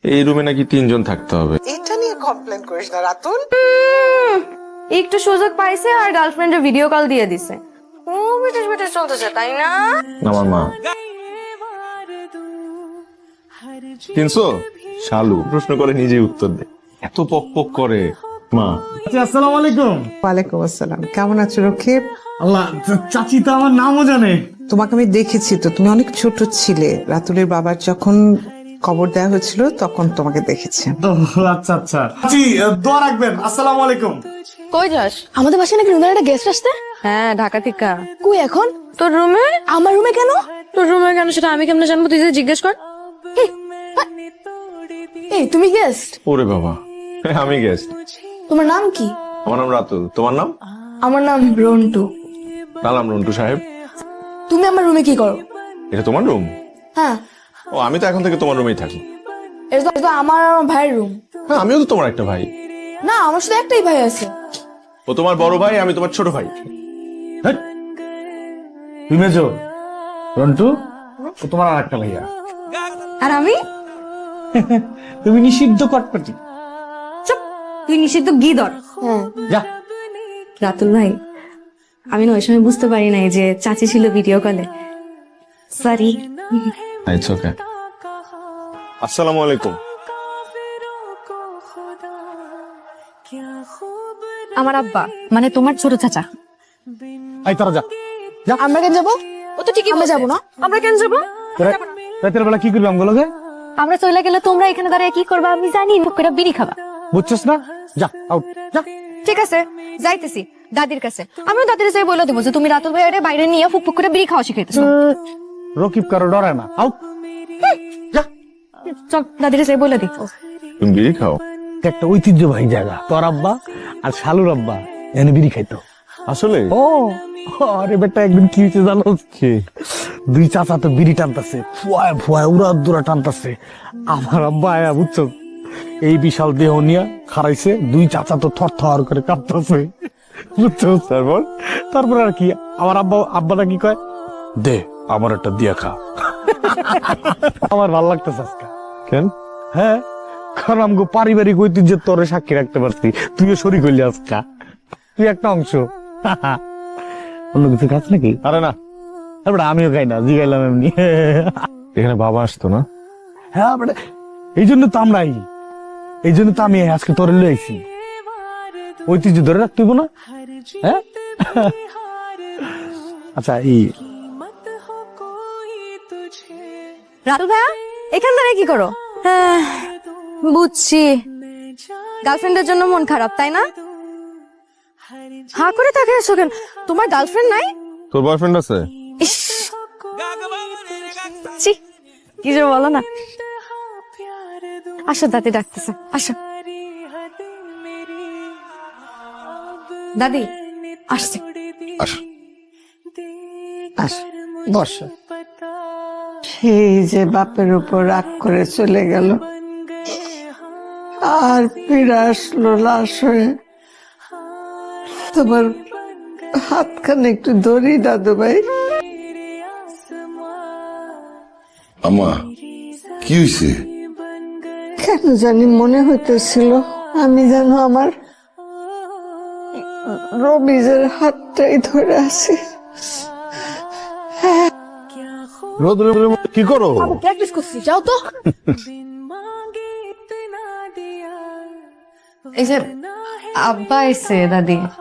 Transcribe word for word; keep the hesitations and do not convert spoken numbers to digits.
এই রুমে নাকি তিনজন থাকতে হবে। এটা নিয়ে কমপ্লেন করিস না রাতুল। একটু সুযোগ পাইছে আর গার্লফ্রেন্ডের ভিডিও কল দিয়ে দিছে। ও বিটেশ বিটেশ চলতেছে তাই না? আমার মা তিনশো শালু প্রশ্ন করে নিজেই উত্তর দে, এত পক পক করে। মা আসসালামু আলাইকুম। ওয়ালাইকুম আসসালাম, কেমন আছো রক্ষিত? আল্লাহ, চাচি তো আমার নামও জানে। তোমাকে আমি দেখেছি তো, তুমি অনেক ছোট ছিলে। রাতুলের বাবার যখন খবর দেওয়া হয়েছিল তখন তোমাকে দেখেছি। ও, আচ্ছা আচ্ছা চাচি, দোয়া রাখবেন। আসসালামু আলাইকুম। কই যাস? আমাদের বাসায় নাকি রুমের একটা গেস্ট আসতে। হ্যাঁ, ঢাকা থেকে। কই এখন? তোর রুমে। আমার রুমে কেন? তোর রুমে কেন সেটা আমি কেমনে জানবো? তুই যে জিজ্ঞেস কর। এই তুমি গেস্ট? ওরে বাবা, আমি গেস্ট। তোমার নাম কি? আমার নাম রাতুল, তোমার নাম? আমার নাম রন্টু। নাম রন্টু সাহেব। তুমি আমার রুমে কি করো? এটা তোমার রুম? হ্যাঁ, ও, আমি তো এখন থেকে তোমার রুমেই থাকি। এটা তো এটা তো আমার আর আমার ভাইয়ের রুম। হ্যাঁ, আমিও তো তোমার একটা ভাই। না, আমার শুধু একটাই ভাই আছে। ও তোমার বড় ভাই, আমি তোমার ছোট ভাই। হেৎ, তুই মেজো, রন্টু ও তোমার আর একটা ভাইয়া। আর আমি? তুমি নিষিদ্ধ কটপটি। চুপ, তুই নিষিদ্ধ গিদর। হ্যাঁ, যা। রাতুল ভাই, আমি না ওই সময় বুঝতে পারি নাই যে চাচি ছিল ভিডিও কলে। সরি। It's okay. আসসালামু আলাইকুম। আমার আব্বা, মানে তোমার ছোট চাচা। আই তোরা যা। আমরা কেন যাবো? ও তো ঠিকই আমরা বলছে। যাবো না? আমরা কেন যাবো? তোরা রাতের বেলা কি করবি আমগুলোকে? আমরা চলে গেলে তোমরা এখানে দাঁড়িয়ে কি করবা আমি জানি। মুখ করে বিড়ি খাবা। বুঝছিস না? যা, আউট যা। ঠিক আছে, যাইতেছি দাদির কাছে। আমিও দাদির কাছে বলে দেবো যে তুমি রাতুল ভাইয়ারে বাইরে নিয়ে ফুক ফুক করে বিড়ি খাওয়া শিখাইতেছো। রকিব কারো ডরে না। আউট যা। চল দাদির কাছে বলে দি। তুমি বিড়ি খাও? একটা ঐতিহ্যবাহী জায়গা, তোর আব্বা আর শালুর আব্বা এনে বিড়ি খাইতো। আসলে? ও আরে বেটা, একদিন কি হয়েছে জানো? দুই চাচা তো বিড়ি টানতেছে, ফুয়ায় ফুয়ায় উড়া দুরা টানতেছে। আমার আব্বা আয়া বুঝছো, এই বিশাল দেহ নিয়ে খারাইছে, দুই চাচা তো থর থর করে কাঁপতেছে, বুঝছো? তারপর তারপর আর কি, আমার আব্বা আব্বাটা কি কয়, দে আমার একটা দিয়া খা। আমার ভাল লাগতেছে আজকে। কেন? হ্যাঁ, কারণ আমগো পারিবারিক ঐতিহ্যের তোরে সাক্ষী রাখতে পারছি। তুইও শরীর হইলি আজকা, তুই একটা অংশ। অন্য কিছু খাস নাকি? আরে না, তারপরে আমিও খাই না, জিগাইলাম এমনি। এখানে বাবা আসতো না? হ্যাঁ, মানে এই জন্য তো আমরাই, এই জন্য তো আমি আজকে তোরে লই আইছি। ঐতিহ্য ধরে রাখতে হইব না? হ্যাঁ। আচ্ছা, এই রাতুল ভাইয়া এখান দাঁড়িয়ে কি করো? হ্যাঁ, বুঝছি, গার্লফ্রেন্ডের জন্য মন খারাপ তাই না? হা করে তাকিয়ে আছো কেন? তোমার গার্লফ্রেন্ড নাই? তোর বয়ফ্রেন্ড আছে? ইস, ছি, কি যে বলো না। আসো, দাদি ডাকতেছে, আসো। দাদি আসছে। আস। আস, বস। সেই যে বাপের উপর রাগ করে চলে গেল, আর ফিরে আসলো লাশ হয়ে। তোমার হাতখানে একটু ধরি দাদু ভাই। আমা, কি হয়েছে? কেন জানি মনে হইতেছিল আমি যেন আমার রবিজের হাতটাই ধরে আছি। রোদ্রের মধ্যে কি করো? প্র্যাকটিস করছি, যাও তো। এই যে আব্বা এসে দাদি।